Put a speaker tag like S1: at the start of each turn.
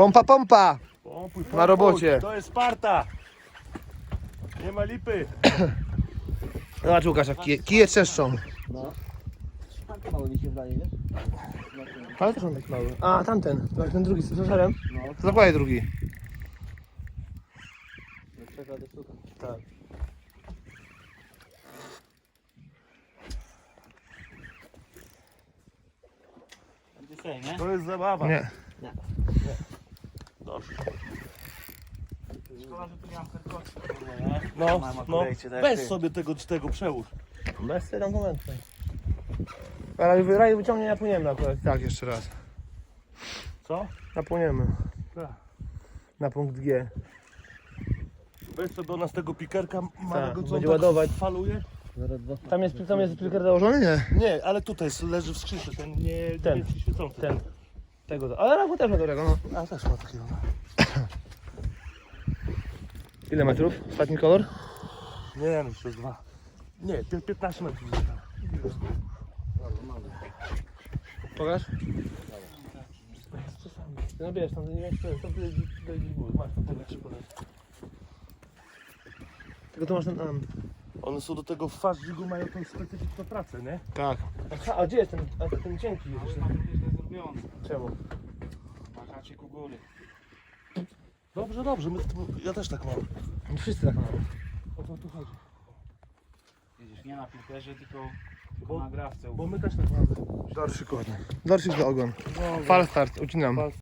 S1: Pompa, pompa!
S2: Pompuj,
S1: Na robocie.
S2: To jest Sparta. Nie ma lipy.
S1: Zobacz Łukasz, jak kije trzeszczą.
S3: No. Tak mało mi się wydaje, wiesz?
S1: Ale też on taki mały. A, tamten. Ten drugi z żarem.
S3: No.
S1: To zakładaj drugi.
S3: Przekłady sztuka.
S1: Tak.
S3: Dzisiaj, nie?
S2: To jest zabawa.
S1: Nie.
S2: Dobrze.
S3: Szkoda, że tu nie mam kartotki.
S2: No,
S3: Mam
S2: no.
S3: akurejcie, tak
S2: Weź
S3: ty.
S2: sobie tego przełóż.
S1: Bez tego momentu. Ale raj wyciągnie, napłyniemy akurat. Tak, jeszcze raz.
S2: Co?
S1: Napłyniemy.
S2: Tak.
S1: Na punkt G.
S2: Weź sobie od nas tego pikerka małego, co on
S1: będzie
S2: tak
S1: ładować.
S2: faluje.
S1: Tam jest pilker założony? Nie.
S2: Nie, ale tutaj leży w skrzynce, ten
S1: Ten.
S2: niebieski świecący.
S1: Ten. Tego. Ale Rachu też ma dobrego, no.
S2: A też ma takiego.
S1: Ile metrów? Ostatni kolor?
S2: Nie, no przez 2. Nie, 15 metrów.
S1: Pokaż. No bierz, tam nie wiesz, to ty gdzieś góry. Masz tam podać. Tylko tu masz ten...
S2: One są do tego w fażdżigu, mają tą specyficzną pracę, nie?
S1: Tak. A gdzie jest ten cienki? Jeszcze?
S3: źle zrobione.
S1: Czemu?
S3: Na haczyku góry.
S2: Dobrze, ja też tak mam.
S1: No wszyscy tak mają.
S2: O co tu chodzi?
S3: Widzisz, nie na piłkerze, tylko
S2: Bo-
S3: na grawce.
S2: Bo my też tak mamy.
S1: Dorszyk ładny. Dorszyk za ogon. Falstart, ucinam.